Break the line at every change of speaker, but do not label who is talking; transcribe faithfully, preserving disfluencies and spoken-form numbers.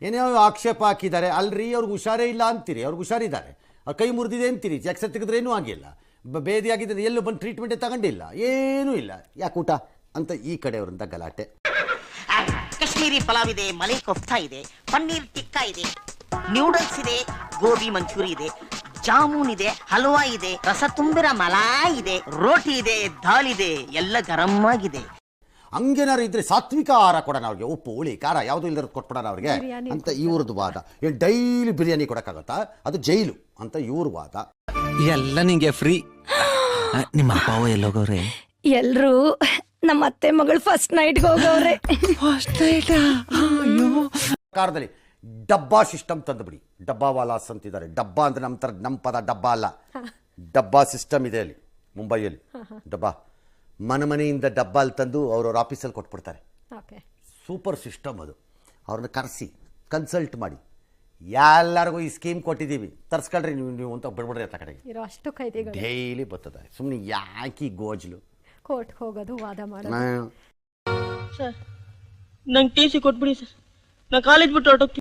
ಏನೇ ಆಕ್ಷೇಪ ಹಾಕಿದ್ದಾರೆ ಅಲ್ರಿ, ಅವ್ರಿಗೆ ಹುಷಾರೇ ಇಲ್ಲ ಅಂತೀರಿ, ಅವ್ರಿಗೆ ಹುಷಾರಿದ್ದಾರೆ, ಅವ್ರ ಕೈ ಮುರಿದಿದೆ ಅಂತೀರಿ, ಎಕ್ಸ್ರೇ ತೆಗೆದ್ರೆ ಏನೂ ಆಗಿಲ್ಲ, ಬೇದಿ ಆಗಿದ್ದರೆ ಎಲ್ಲೂ ಬಂದು ಟ್ರೀಟ್ಮೆಂಟೇ ತಗೊಂಡಿಲ್ಲ, ಏನೂ ಇಲ್ಲ, ಯಾಕೆ ಊಟ ಅಂತ ಈ ಕಡೆಯವರಿಂದ ಗಲಾಟೆ.
ಕಾಶ್ಮೀರಿ ಪಲಾವ್ ಇದೆ, ಮಲೈ ಕೋಫ್ತಾ ಇದೆ, ಪನ್ನೀರ್ ಟಿಕ್ಕಾ ಇದೆ, ನ್ಯೂಡಲ್ಸ್ ಇದೆ, ಗೋಬಿ ಮಂಚೂರಿ ಇದೆ, ಜಾಮೂನ್ ಇದೆ, ಹಲ್ವಾ ಇದೆ, ರಸ ತುಂಬಿರ ಮಲಾಯ್ ಇದೆ, ರೋಟಿ ಇದೆ, ದಾಲ್ ಇದೆ, ಎಲ್ಲ ಗರಂ ಆಗಿದೆ.
ಹಂಗೇನಾರು ಇದ್ರೆ ಸಾತ್ವಿಕ ಆಹಾರ ಕೊಡೋಣ ಅವ್ರಿಗೆ, ಉಪ್ಪು ಹುಳಿ ಖಾರ ಯಾವುದೂ ಇಲ್ಲದ ಕೊಟ್ಬಿಡೋಣ ಅವ್ರಿಗೆ ಅಂತ ಇವ್ರದ್ದು ವಾದ. ಏನು ಡೈಲಿ ಬಿರಿಯಾನಿ ಕೊಡೋಕ್ಕಾಗತ್ತಾ, ಅದು ಜೈಲು ಅಂತ ಇವ್ರ ವಾದ.
ಎಲ್ಲ ನಿಂಗೆ ಫ್ರೀ. ನಿಮ್ಮ ಅಪ್ಪ ಎಲ್ಲೋಗವ್ರೆ?
ಎಲ್ರು ನಮ್ಮ ಅತ್ತೆ ಮಗಳು ಫಸ್ಟ್ ನೈಟ್ಗೆ ಹೋಗವ್ರೆ.
First night?
ಸರ್ಕಾರದಲ್ಲಿ ಡಬ್ಬಾ ಸಿಸ್ಟಮ್ ತಂದುಬಿಡಿ. ಡಬ್ಬಾ ವಾಲಾಸ್ ಅಂತಿದ್ದಾರೆ. ಡಬ್ಬಾ ಅಂದ್ರೆ ನಮ್ಮ ಥರ ನಮ್ಮ ಪದ ಡಬ್ಬಾ ಅಲ್ಲ, ಡಬ್ಬಾ ಸಿಸ್ಟಮ್ ಇದೆ ಅಲ್ಲಿ ಮುಂಬೈಯಲ್ಲಿ. ಡಬ್ಬಾ ಮನೆ ಮನೆಯಿಂದ ಡಬ್ಬಾ ಅಲ್ಲಿ ತಂದು ಅವ್ರವ್ರ ಆಫೀಸಲ್ಲಿ ಕೊಟ್ಬಿಡ್ತಾರೆ. ಸೂಪರ್ ಸಿಸ್ಟಮ್ ಅದು. ಅವ್ರನ್ನ ಕರೆಸಿ ಕನ್ಸಲ್ಟ್ ಮಾಡಿ, ಎಲ್ಲರಿಗೂ ಈ ಸ್ಕೀಮ್ ಕೊಟ್ಟಿದ್ದೀವಿ ತರ್ಸ್ಕೊಳ್ರಿ ನೀವು ನೀವು ಅಂತ ಬಿಡ್ಬಿಡ್ರಿ ಅಂತ ಕಡೆಗೆ
ಅಷ್ಟು ಕೈದಿಗಳು
ಡೈಲಿ ಬರ್ತದೆ. ಸುಮ್ಮನೆ ಯಾಕೆ ಗೋಜ್ಲು
ಕೋರ್ಟ್ಗೆ ಹೋಗೋದು, ವಾದ ಮಾಡೋದು.
ಸರ್ ನಂಗೆ ಟಿ ಸಿ ಕೊಟ್ಬಿಡಿ ಸರ್, ನಾ ಕಾಲೇಜ್ ಬಿಟ್ಟು ಹೊರಟೋಗ್ತೀನಿ.